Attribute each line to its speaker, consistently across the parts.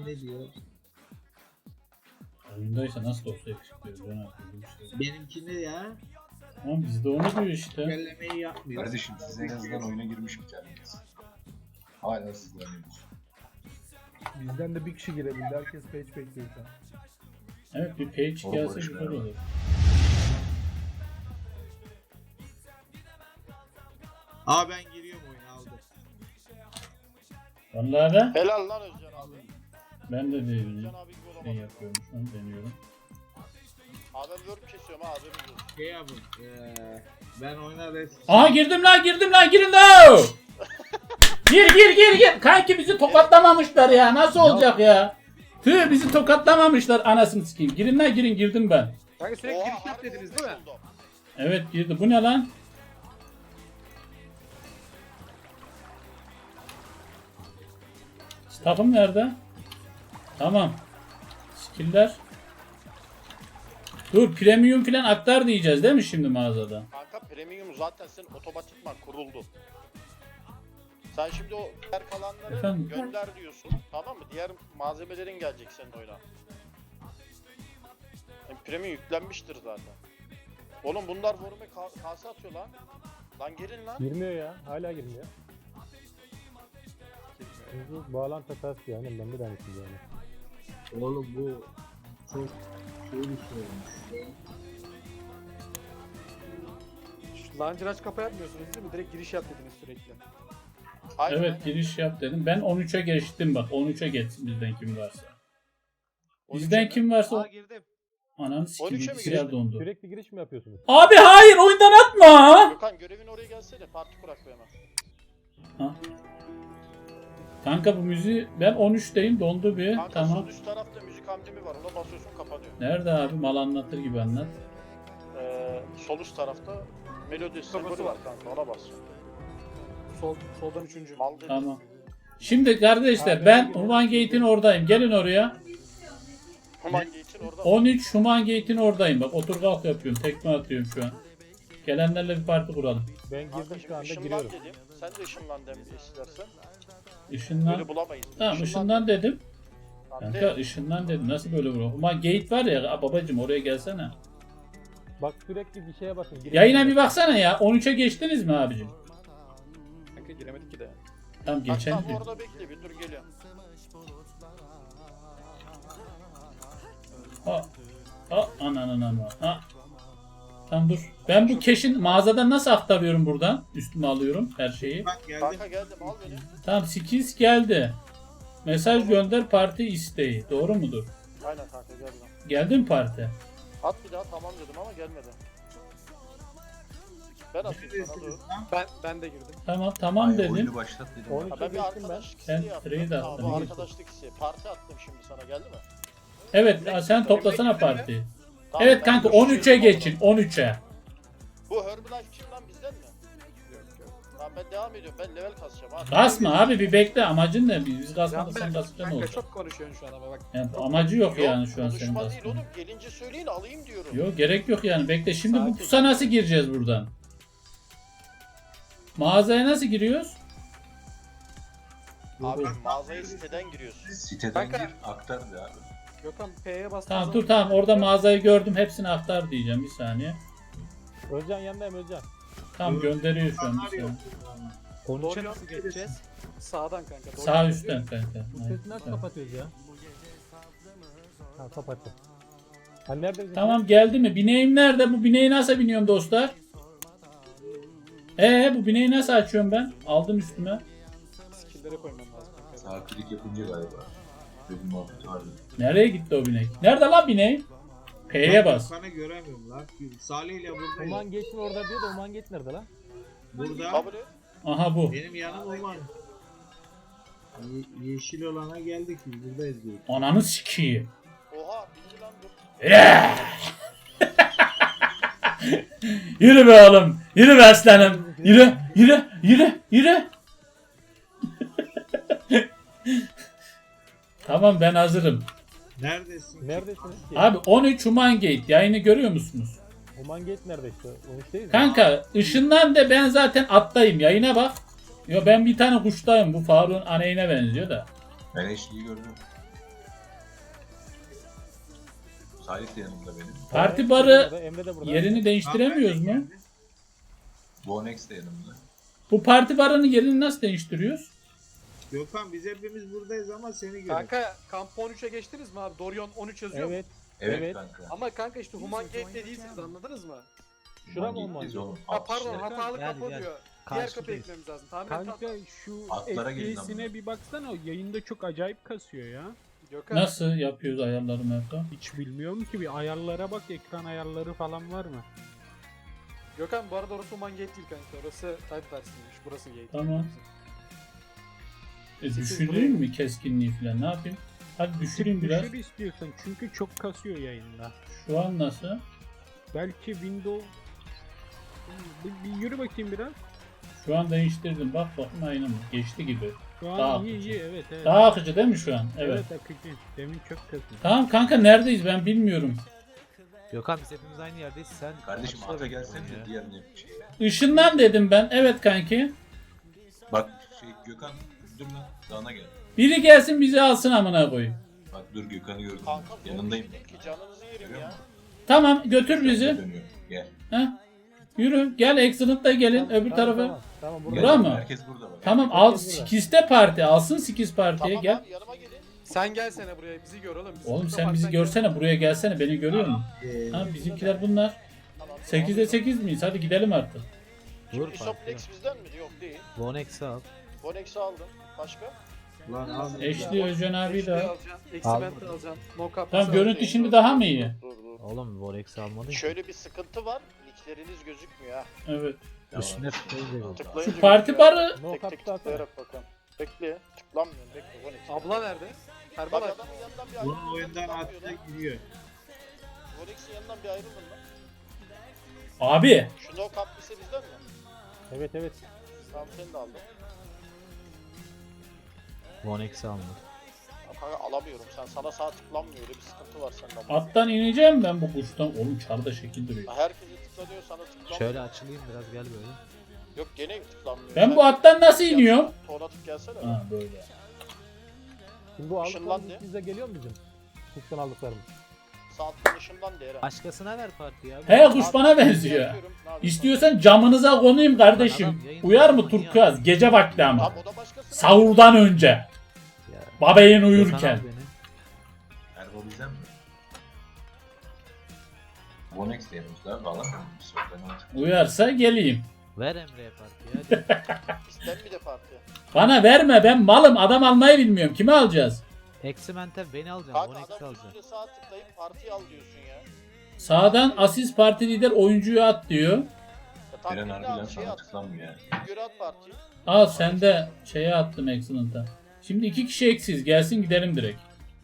Speaker 1: Kim ne diyor?
Speaker 2: Oyundaysa nasıl olsa yakışıklıyor. Ben yapıyorum bir şey.
Speaker 1: Benimki ne ya?
Speaker 2: Ama bizde onu diyor işte.
Speaker 1: Bellemeyi yapmıyor.
Speaker 3: Kardeşim siz en azından oyuna girmiş bir taneniz. Hala sizleniyoruz.
Speaker 4: Bizden de bir kişi girebildi. Herkes page bekliyor şu an.
Speaker 2: Evet bir page
Speaker 3: Oğlum,
Speaker 2: gelse
Speaker 3: barışma
Speaker 2: güzel
Speaker 3: ya.
Speaker 2: olur.
Speaker 1: Aa ben giriyorum oyuna aldım.
Speaker 2: Vallahi de
Speaker 5: Helal lan Özcan abi.
Speaker 2: ben de değilim.
Speaker 5: Özcan abi gibi
Speaker 2: Ne
Speaker 5: olamadım.
Speaker 2: yapıyorum şu an deniyorum.
Speaker 5: Abi ben work kesiyorum ha haberiniz olsun.
Speaker 1: Şey yapın. Ben oyuna res...
Speaker 2: Aha girdim lan girin lan. Gir. Kanki bizi tokatlamamışlar ya. Nasıl olacak ya? Tüh bizi tokatlamamışlar anasını sikeyim. Girin lan girdim ben.
Speaker 6: Kanka sürekli
Speaker 5: Oha,
Speaker 6: giriş yap
Speaker 5: harbi
Speaker 6: dediniz değil mi?
Speaker 5: oldu.
Speaker 2: Evet girdi. Bu ne lan? Takım nerede? Tamam. Skiller. Dur premium filan aktar diyeceğiz değil mi şimdi mağazada?
Speaker 5: Kanka premium zaten senin otomatikman kuruldu. Sen şimdi o diğer kalanları
Speaker 2: Efendim?
Speaker 5: gönder diyorsun. Tamam mı? Diğer malzemelerin gelecek senin oyuna. Premium yüklenmiştir zaten. Oğlum bunlar forme kase atıyor lan. Lan gelin lan.
Speaker 7: Girmiyor ya. Hala girmiyor. Çünkü bağlantı hatası yani. Ben de demiştim yani.
Speaker 1: Oğlum bu çok şey bir şey olmuş.
Speaker 6: Launcher aç kapa yapmıyorsunuz değil mi? Direkt giriş yap dediniz sürekli.
Speaker 5: Aynen,
Speaker 2: Evet
Speaker 5: aynen.
Speaker 2: giriş yap dedim. Ben 13'e geçtim bak. 13'e geçsin bizden kim varsa.
Speaker 5: 13'e
Speaker 2: Bizden
Speaker 5: mi?
Speaker 2: kim varsa
Speaker 6: Aa girdim.
Speaker 2: ananı sikeyim
Speaker 5: 13'e mi
Speaker 2: bilgisayar
Speaker 5: geçtin?
Speaker 2: dondu.
Speaker 7: Sürekli giriş mi yapıyorsunuz?
Speaker 2: Abi hayır oyundan atma.
Speaker 5: Gökhan görevin oraya gelsene. Parti kurak be hemen.
Speaker 2: Ha. Kanka bu müziği ben 13'teyim dondu bir.
Speaker 5: Kanka
Speaker 2: Tamam.
Speaker 5: sol üst tarafta müzik amblemi var. Ona basıyorsun kapanıyor.
Speaker 2: Nerede abi mal anlatır gibi anlat.
Speaker 5: Sol üst tarafta melodi sembolü var kanka. Ona bas.
Speaker 6: Soldan üçüncü.
Speaker 5: Mal dedi.
Speaker 2: Tamam. Şimdi kardeşler ben Human Gate'in oradayım. Gelin oraya.
Speaker 5: Human Gate'in orada.
Speaker 2: 13 Human Gate'in oradayım. Bak otur kalk yapıyorum. Tekme atıyorum şu an. Gelenlerle bir parti kuralım.
Speaker 7: Ben
Speaker 5: Kanka
Speaker 7: girdim
Speaker 5: şimdi
Speaker 7: şu anda
Speaker 5: ışınlan
Speaker 7: giriyorum.
Speaker 5: dedim. Sen de ışınlan dem istersen.
Speaker 2: Işından.
Speaker 5: Böyle bulamayız.
Speaker 2: Tamam ışından dedim.
Speaker 5: Lan
Speaker 2: Kanka
Speaker 5: de.
Speaker 2: ışından dedim. Nasıl böyle vurur? Human Gate var ya babacım oraya gelsene.
Speaker 7: Bak sürekli bir şeye basın.
Speaker 2: Yayına bir baksana ya. 13'e geçtiniz mi abicim?
Speaker 6: Kanka giremedik ki de.
Speaker 2: Tamam
Speaker 5: Bak
Speaker 2: geçen
Speaker 5: tam
Speaker 2: diyor.
Speaker 5: orada bekle bir dur geliyorum.
Speaker 2: Ha. Ha ananı. Ha. Tamam dur. Ben bu cash'in mağazadan nasıl aktarıyorum buradan? Üstüme alıyorum her şeyi.
Speaker 1: Bak geldim.
Speaker 5: Kanka geldim al beni.
Speaker 2: Tamam skills geldi. Mesaj gönder parti isteği. Doğru mudur?
Speaker 5: Aynen kanka geldim.
Speaker 2: Geldi mi parti?
Speaker 5: At bir daha tamam dedim ama gelmedi. Ben atayım sana dur.
Speaker 6: Ben de girdim.
Speaker 2: Tamam
Speaker 3: Ay,
Speaker 2: dedim.
Speaker 3: oyunu başlat dedim.
Speaker 7: 13'e
Speaker 5: Ha, ben bir
Speaker 7: geçtim ben.
Speaker 5: arkadaşlık
Speaker 2: Ben
Speaker 5: isteği yaptım.
Speaker 2: trade
Speaker 5: Tamam,
Speaker 2: attım.
Speaker 5: bu arkadaşlık isteği. Parti attım şimdi sana geldi mi?
Speaker 2: Evet sen toplasana partiyi.
Speaker 5: Tamam,
Speaker 2: Evet
Speaker 5: ben
Speaker 2: kanka
Speaker 5: görüşüyorum
Speaker 2: 13'e
Speaker 5: o zaman.
Speaker 2: geçin 13'e.
Speaker 5: Bu Herbalife kim lan bizden mi? Tamam ben devam ediyorum. Ben level kasacağım abi.
Speaker 2: Kasma abi bir bekle amacın ne? Biz kasmadık sen
Speaker 6: Canberk,
Speaker 2: kasacaksın ne
Speaker 6: kanka
Speaker 2: olacak?
Speaker 6: çok konuşuyorsun şu an ama bak.
Speaker 2: Yani amacı yok yani şu an senin
Speaker 5: konuşma değil
Speaker 2: kasmanın.
Speaker 5: oğlum. Gelince söyleyin alayım diyorum.
Speaker 2: Yok gerek yok yani bekle. Şimdi bu
Speaker 6: Sakin.
Speaker 2: pusa nasıl gireceğiz buradan? Mağazaya nasıl giriyoruz?
Speaker 5: Abi mağazaya siteden giriyorsun.
Speaker 3: Siteden
Speaker 6: Kanka.
Speaker 3: gir aktar de abi.
Speaker 6: Gökhan P'ye bastığın
Speaker 2: Tamam
Speaker 6: zaman-
Speaker 2: dur tamam orada mağazayı gördüm hepsini aktar diyeceğim bir saniye.
Speaker 7: Özcan yanındayım Özcan.
Speaker 2: Tamam gönderiyor şu an bir saniye.
Speaker 7: 13'e
Speaker 6: Doğru
Speaker 7: nasıl
Speaker 6: nasıl geçeceğiz? Sağdan kanka. Doğru
Speaker 2: Sağ
Speaker 6: yol
Speaker 2: üstten kanka.
Speaker 7: Bu
Speaker 2: Aynen,
Speaker 7: sesi nasıl
Speaker 2: tamam.
Speaker 7: kapatıyoruz ya? Ha kapattım. Ha nerede bizim?
Speaker 2: Tamam geldi mi? Bineğim nerede? Bu bineği nasıl biniyorum dostlar? Bu bineği nasıl açıyorum ben? Aldım üstüme.
Speaker 6: Skill'lere koymam lazım kanka.
Speaker 3: Sağ klik yapınca galiba. Böyle bir muhabbet vardı.
Speaker 2: Nereye gitti o binek? Nerede lan bineğim? P'ye bas.
Speaker 1: Sana göremiyorum lan. Salih ile buradayız.
Speaker 7: Human Gate'in orada diyor da Human Gate nerede lan?
Speaker 1: Burada.
Speaker 5: Kabul et.
Speaker 2: Aha bu.
Speaker 1: Benim yanım Uman. Yeşil olana geldik biz buradayız diyor.
Speaker 2: Ananı sikeyim.
Speaker 5: Oha bildi lan dur.
Speaker 2: Yürü be oğlum. Yürü be aslanım. Yürü. Tamam ben hazırım.
Speaker 1: Neredesin?
Speaker 7: Neredesiniz ki?
Speaker 2: Abi 13 Human Gate yayını görüyor musunuz?
Speaker 7: Human Gate nerede işte? 13 değil mi?
Speaker 2: Kanka ışından da ben zaten attayım yayına bak. Yo ben bir tane kuştayım bu Faruk'un aneyine benziyor da.
Speaker 3: Ben eşliği gördüm. Salih de yanımda benim.
Speaker 2: Parti
Speaker 7: Emre
Speaker 2: barı
Speaker 7: de burada, Emre de burada.
Speaker 2: yerini değiştiremiyoruz mu?
Speaker 3: Vonex de yanımda.
Speaker 2: Bu parti barının yerini nasıl değiştiriyoruz?
Speaker 1: Gökhan biz hepimiz buradayız ama seni görüyoruz.
Speaker 6: Kanka kamp 13'e geçtiniz mi abi? Dorion 13 yazıyor mu?
Speaker 7: Evet.
Speaker 3: Evet,
Speaker 7: Evet.
Speaker 3: kanka.
Speaker 6: Ama kanka işte Human Gate'de değilsiniz anladınız mı?
Speaker 7: Şura mı
Speaker 3: Ulan
Speaker 7: olmalı?
Speaker 3: gittiyiz oğlum.
Speaker 6: Ha
Speaker 3: Alt
Speaker 6: pardon
Speaker 3: kişiler.
Speaker 6: hatalı
Speaker 8: Gel,
Speaker 6: kapı
Speaker 8: gel.
Speaker 6: diyor. Diğer kapı
Speaker 8: Karşıdayız.
Speaker 6: eklememiz lazım. Tahmin
Speaker 9: Kanka
Speaker 6: et.
Speaker 9: şu
Speaker 3: Atlara gelin lan
Speaker 9: FPS'ine bir baksana, o yayında çok acayip kasıyor ya.
Speaker 6: Gökhan.
Speaker 2: Nasıl yapıyoruz ayarları Merto?
Speaker 9: Hiç bilmiyorum ki, bir ayarlara bak, ekran ayarları falan var mı?
Speaker 6: Gökhan bu arada orası Human Gate değil kanka. Orası Tidewars'ıymış. Burası Gate.
Speaker 2: Tamam.
Speaker 6: Sekiz
Speaker 2: Düşüreyim mi keskinliği falan ne yapayım? Hadi düşüreyim biraz.
Speaker 9: Düşür istiyorsan, çünkü çok kasıyor yayında.
Speaker 2: Şu an nasıl?
Speaker 9: Belki Windows... Bir yürü bakayım biraz.
Speaker 2: Şu an değiştirdim. Bak bakın aynı mı? Geçti gibi.
Speaker 9: Şu an
Speaker 2: Daha
Speaker 9: iyi
Speaker 2: akıcı.
Speaker 9: iyi, evet evet.
Speaker 2: Daha akıcı değil mi şu an? Evet.
Speaker 9: Evet akıcı. Demin çok kasıyor.
Speaker 2: Tamam kanka neredeyiz ben bilmiyorum.
Speaker 8: Gökhan biz hepimiz aynı yerdeyiz. Sen
Speaker 3: Kardeşim
Speaker 8: Atlara
Speaker 3: ata
Speaker 8: bekliyorsun
Speaker 3: gelsene
Speaker 8: ya.
Speaker 3: de diğer ne şey.
Speaker 2: Işından dedim ben. Evet kanki.
Speaker 3: Bak şey Gökhan dur lan dağına gel.
Speaker 2: Biri gelsin bizi alsın amına koyayım.
Speaker 3: Bak dur Gökhan'ı gördüm.
Speaker 5: Kanka zor
Speaker 3: Yanındayım.
Speaker 5: bir şey değil ki canınızı yerim
Speaker 3: Görüyor
Speaker 5: ya.
Speaker 3: musun?
Speaker 2: Tamam götür bizi.
Speaker 3: Dönüyor. Gel.
Speaker 2: Heh. Yürü gel Excellent'la gelin öbür tarafa.
Speaker 7: Tamam, tamam burada.
Speaker 2: Bura mı?
Speaker 3: Herkes burada bak.
Speaker 2: Tamam al Skiz'de parti alsın Skiz partiye
Speaker 5: Tamam
Speaker 2: gel.
Speaker 5: abi yanıma gelin.
Speaker 6: Sen gelsene buraya bizi gör oğlum.
Speaker 2: Oğlum
Speaker 6: Sıkıntı
Speaker 2: sen
Speaker 6: var,
Speaker 2: bizi
Speaker 6: gel.
Speaker 2: görsene buraya gelsene beni görüyor musun? Ha bizimkiler bunlar.
Speaker 5: Tamam,
Speaker 2: 8'e 8 miyiz? Hadi gidelim artık.
Speaker 8: Vur
Speaker 5: Şimdi
Speaker 8: farklı.
Speaker 5: Isoplex bizden mi? Yok değil.
Speaker 8: Vonex'i al.
Speaker 5: Vonex'i aldım. Başka?
Speaker 1: Lan abi.
Speaker 2: Eşli Özcan abi de.
Speaker 6: alacaksın. Eximent'i alacaksın. No cap.
Speaker 2: Tamam görüntü şimdi daha mı iyi?
Speaker 5: Dur dur.
Speaker 8: Oğlum Vonex'i almadın ki.
Speaker 5: Şöyle bir sıkıntı var. Nickleriniz gözükmüyor ha.
Speaker 2: Evet.
Speaker 8: Üstüne tıklayınca
Speaker 5: Tıklayınca
Speaker 2: Şu parti
Speaker 5: gözüküyor.
Speaker 2: barı
Speaker 7: No
Speaker 5: Tek tek
Speaker 7: cap'ta atsana.
Speaker 5: tıklayarak bakalım. Bekle. Tıklanmıyor. Bekle. Vonex.
Speaker 6: Abla nerede?
Speaker 5: Bak
Speaker 6: Herbal
Speaker 5: adamın yanından bir ayrılın.
Speaker 1: Bunun oyundan
Speaker 5: Tıklanmıyor
Speaker 1: atla
Speaker 5: lan.
Speaker 1: giriyor.
Speaker 5: Vonex'in yanından bir ayrılın lan.
Speaker 2: abi.
Speaker 5: Şu no cap lise bizden mi?
Speaker 7: Evet evet.
Speaker 5: Tamam seni de aldım.
Speaker 8: Vonex'i almadı.
Speaker 5: Ya kanka alamıyorum. Sana sağ tıklanmıyor. Öyle bir sıkıntı var sende.
Speaker 2: Attan ineceğim ben bu kuştan. Oğlum çarda şekil duruyor.
Speaker 5: Ya herkese tıklanıyor sana tıklanmıyor.
Speaker 8: Şöyle açılayım biraz gel böyle.
Speaker 5: Yok gene tıklanmıyor.
Speaker 2: Ben
Speaker 5: Sen
Speaker 2: bu attan nasıl
Speaker 5: gelsene,
Speaker 2: iniyorum?
Speaker 5: Tuğla tık gelsene.
Speaker 2: Ha böyle.
Speaker 7: Şimdi bu
Speaker 5: Işınlan
Speaker 7: aldıklarımız
Speaker 5: de.
Speaker 7: bize geliyor mu bizim? Kuştan aldıklarımız.
Speaker 5: Sağ tıkın ışından de Eren.
Speaker 8: Başkasına ver partiyi abi.
Speaker 2: He kuş bana
Speaker 5: Abi,
Speaker 2: benziyor.
Speaker 5: yapıyorum, ne yapayım?
Speaker 2: İstiyorsan camınıza konayım kardeşim.
Speaker 8: Adam yayın-
Speaker 2: Uyar mı turkuaz? Gece vakti ama.
Speaker 5: Tamam o da başkası.
Speaker 2: Sahurdan önce.
Speaker 8: Ya.
Speaker 2: Babayın
Speaker 8: Gökhan
Speaker 2: uyurken.
Speaker 8: al beni.
Speaker 3: Erbo bizden mi? Vonex de yanımızda. Valla bir sorun olacak.
Speaker 2: Uyarsa geleyim.
Speaker 8: Ver Emre'ye partiyi hadi.
Speaker 5: İsten bir de parti.
Speaker 2: Bana verme ben malım adam almayı bilmiyorum. Kimi alacağız?
Speaker 8: Eximente beni alacağım.
Speaker 5: Kanka
Speaker 8: Vonex'i
Speaker 5: adam
Speaker 8: alacağım.
Speaker 5: üstüne sağ tıklayıp partiyi al diyorsun ya.
Speaker 2: Sağdan asist parti lider oyuncuyu at diyor.
Speaker 5: Ya tam
Speaker 3: Eren
Speaker 5: birini
Speaker 3: harbiden
Speaker 5: al şey
Speaker 3: sana
Speaker 5: at.
Speaker 3: tıklanmıyor yani.
Speaker 5: Bir göre at partiyi.
Speaker 2: Al sen de şeye attım Excellent'a. Şimdi 2 kişi eksiz. Gelsin gidelim direkt.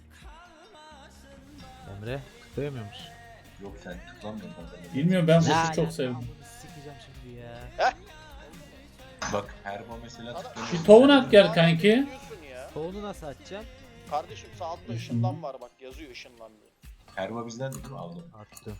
Speaker 8: Emre tıklayamıyor musun?
Speaker 3: Yok sen tıklanmıyorsun kanka.
Speaker 2: Bilmiyorum ben
Speaker 8: Ya,
Speaker 2: kuşu çok
Speaker 8: ya,
Speaker 2: sevdim.
Speaker 8: amını sikeceğim şimdi ya.
Speaker 3: Bak Erbo mesela tıklanıyor.
Speaker 2: Bir tohum at gel
Speaker 5: Aa,
Speaker 2: kanki.
Speaker 5: diyorsun ya.
Speaker 8: Tohunu nasıl açacağım?
Speaker 5: Kardeşim sağ altta ışınlan var bak yazıyor ışınlan diye.
Speaker 3: Erbo bizden değil mi? Aldım.
Speaker 8: Attım.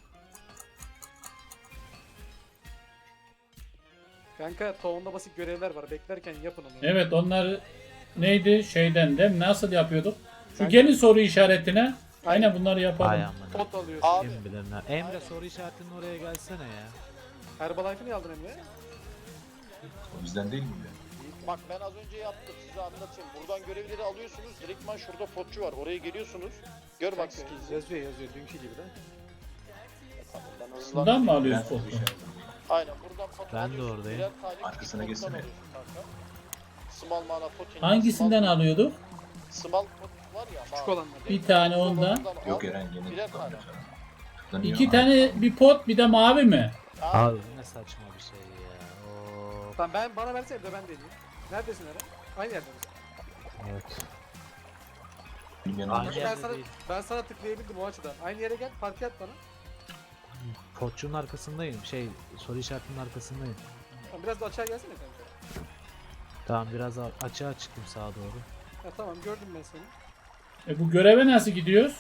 Speaker 6: Kanka toğunda basit görevler var. Beklerken yapın onu.
Speaker 2: Evet onlar neydi şeyden de nasıl yapıyorduk? Şu
Speaker 6: Kanka-
Speaker 2: gelin soru işaretine. Aynen bunları
Speaker 8: Ay
Speaker 2: yapalım.
Speaker 8: amına.
Speaker 6: Pot alıyorsun.
Speaker 5: Abi.
Speaker 8: Kim bilir ne. Emre soru işaretinin oraya gelsene ya.
Speaker 6: Herbalife'ı niye aldın Emre?
Speaker 3: O bizden değil mi?
Speaker 5: Bak ben az önce yaptım size anlatayım. Buradan görevleri alıyorsunuz. Direktman şurada potçu var. Oraya geliyorsunuz. Gör bak
Speaker 6: Kanka,
Speaker 5: skills'i.
Speaker 6: yazıyor dünkü gibi de.
Speaker 5: Tamam ben hızlandım.
Speaker 2: Bundan mı
Speaker 3: Ben
Speaker 2: alıyoruz
Speaker 3: soru
Speaker 2: potu?
Speaker 3: işaretim.
Speaker 5: Aynen buradan pot
Speaker 8: Ben de
Speaker 5: alıyorsun.
Speaker 8: oradayım.
Speaker 5: Birer tane
Speaker 3: Arkasına
Speaker 5: küçük pottan
Speaker 3: geçsene.
Speaker 5: alıyorsun kanka. Small mana pot.
Speaker 2: Hangisinden alıyorduk?
Speaker 5: Small pot var ya.
Speaker 6: Küçük
Speaker 5: mavi.
Speaker 6: olanlar.
Speaker 2: Bir tane ondan.
Speaker 5: al.
Speaker 3: Yok Eren gene
Speaker 5: Birer
Speaker 3: tıklanmıyor
Speaker 5: tane.
Speaker 3: sana. Tıklanıyor.
Speaker 2: 2 tane bir pot bir de mavi mi?
Speaker 5: Abi,
Speaker 8: Abi bu ne saçma bir şey ya. Oo.
Speaker 6: Tamam bana versene de ben deneyeyim. Neredesin Eren? Aynı yerde misin?
Speaker 8: Evet.
Speaker 3: Bilmeyen
Speaker 8: Aynı
Speaker 3: olmuş.
Speaker 8: yerde değil.
Speaker 6: Ben sana tıklayabildim o açıdan. Aynı yere gel parti at bana.
Speaker 8: Potçunun arkasındayım. Soru işaretinin arkasındayım.
Speaker 6: Tamam, biraz da açığa gelsene kanka.
Speaker 8: Tamam biraz açığa çıktım sağa doğru.
Speaker 6: Ha, tamam gördüm ben seni.
Speaker 2: Bu göreve nasıl gidiyoruz?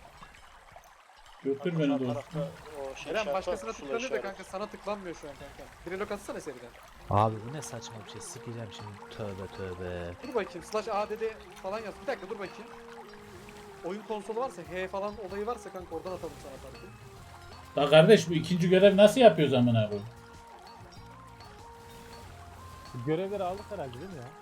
Speaker 2: Götür
Speaker 5: sağ
Speaker 2: beni doğru.
Speaker 5: tarafta o şey
Speaker 6: Eren
Speaker 5: işareti
Speaker 6: başkasına
Speaker 5: var, pusula
Speaker 6: tıklanıyor da
Speaker 5: işareti.
Speaker 6: kanka sana tıklanmıyor şu an kanka. Bir relok atsana seriden.
Speaker 8: Abi bu ne saçma bir şey. Sikeceğim şimdi. Tövbe tövbe.
Speaker 6: Dur bakayım slash add falan yaz. Bir dakika dur bakayım. oyun konsolu varsa, H falan olayı varsa kanka oradan atalım sana parti.
Speaker 2: La kardeş bu ikinci görev nasıl yapıyoruz amına koyayım?
Speaker 7: Görevleri aldık herhalde değil mi ya?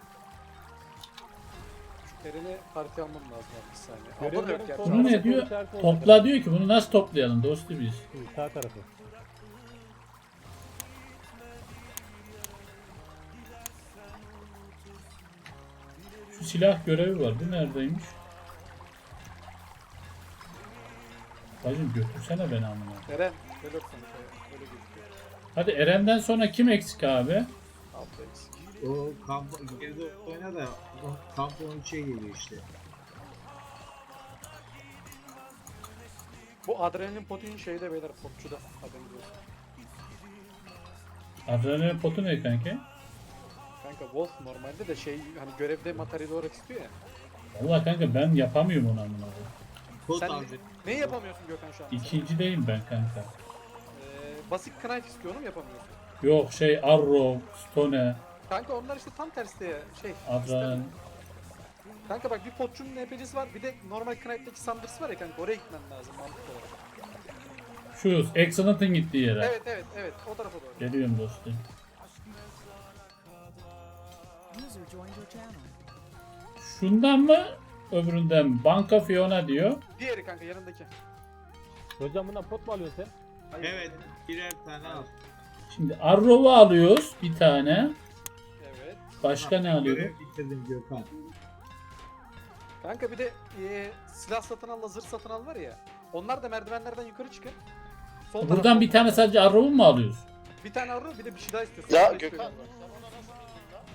Speaker 6: Şu Eren'e parti almam lazım abi bir saniye. Alda da yok
Speaker 7: Görevlerin
Speaker 6: gerçi.
Speaker 7: sonu-
Speaker 2: Bunu ne
Speaker 7: Arası
Speaker 2: diyor?
Speaker 7: işareti olacak
Speaker 2: Topla
Speaker 7: herhalde.
Speaker 2: diyor ki bunu nasıl toplayalım dostu biz.
Speaker 7: Sağ tarafı.
Speaker 2: Şu silah görevi var. Bu neredeymiş? Bacım götürsene beni amına.
Speaker 6: Eren, böyle yok kanka. Böyle gözüküyor.
Speaker 2: Hadi Eren'den sonra kim eksik abi?
Speaker 6: Altta eksik.
Speaker 1: O kamp geride oyna da kamp 13'e geliyor işte.
Speaker 6: Bu adrenalin potin şeyde beyler potçuda. Haberiniz olsun.
Speaker 2: Adrenalin potu ne kanki?
Speaker 6: Kanka Wolf normalde de şey hani görevde materyal olarak istiyor ya.
Speaker 2: Vallahi kanka ben yapamıyorum onu amına koyayım.
Speaker 1: Kod
Speaker 6: Sen
Speaker 1: alacak.
Speaker 6: neyi yapamıyorsun Gökhan şu an?
Speaker 2: İkinci değilim ben kanka.
Speaker 6: Basit knife istiyorum yapamıyorsun.
Speaker 2: Yok şey Arrow, Stone,
Speaker 6: Kanka onlar işte tam tersi ya şey.
Speaker 2: Adrenalin.
Speaker 6: istemiyorum. Kanka bak bir potçunun NPC'si var bir de normal Knight'taki Sanders var ya kanka oraya gitmen lazım mantıklı olarak.
Speaker 2: Şu Excellent'ın gittiği yere.
Speaker 6: Evet o tarafa doğru.
Speaker 2: Geliyorum dostum. Şundan mı? Öbüründen mi? Banka Fiona diyor.
Speaker 6: Diğeri kanka yanındaki.
Speaker 7: Hocam bundan pot mu alıyorsun sen?
Speaker 6: Hayır.
Speaker 1: Evet birer tane al.
Speaker 2: Şimdi Arrow'u alıyoruz bir tane.
Speaker 6: Evet.
Speaker 2: Başka ne alıyoruz?
Speaker 1: Görev bitirdim Gökhan.
Speaker 6: Kanka bir de silah satın al, zırh satın al var ya. Onlar da merdivenlerden yukarı çıkın. Sol
Speaker 2: Buradan
Speaker 6: tarafta-
Speaker 2: bir tane sadece Arrow'u mu alıyoruz?
Speaker 6: Bir tane arıyor bir de bir şey daha istiyorsun.
Speaker 5: Ya
Speaker 6: Bir şey
Speaker 5: Gökhan
Speaker 6: istiyorum.
Speaker 5: sen ona nasıl bildin lan?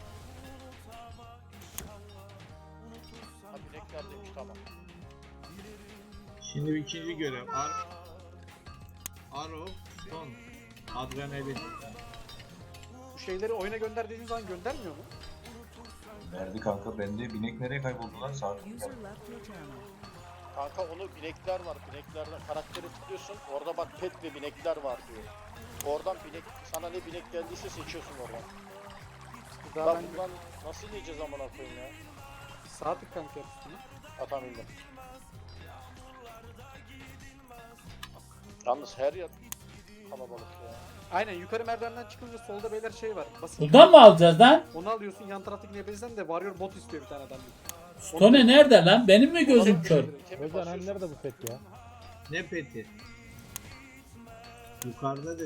Speaker 5: Ha bineklerdeymiş tamam.
Speaker 1: Şimdi ikinci görev. Arrow, Stone, Adrenalin.
Speaker 6: Bu şeyleri oyuna gönder dediğin zaman göndermiyor mu?
Speaker 3: Nerede kanka? Bende binek nereye kayboldu lan? Sağ
Speaker 5: Kanka onu binekler var. Bineklerden karakteri tıklıyorsun. Orada bak pet ve binekler var diyor. Oradan binek sana ne binek geldiyse seçiyorsun oradan.
Speaker 6: Daha
Speaker 5: Lan
Speaker 6: ben
Speaker 5: bundan nasıl yiyeceğiz amına koyayım ya?
Speaker 6: sağ tık kanka yap üstüne.
Speaker 5: Atamaydım. Yalnız her yer kalabalık ya.
Speaker 6: Aynen yukarı merdivenden çıkınca solda beyler şey var. Basit.
Speaker 2: Buradan mı alacağız lan?
Speaker 6: Onu alıyorsun yan taraftaki NPC'den de Warrior bot istiyor bir tane adam.
Speaker 2: Stone nerede lan? Benim mi gözüm kör?
Speaker 5: Kemik
Speaker 7: Hocam hani
Speaker 5: basıyorsun.
Speaker 7: nerede bu set ya?
Speaker 1: Ne peti? Yukarıda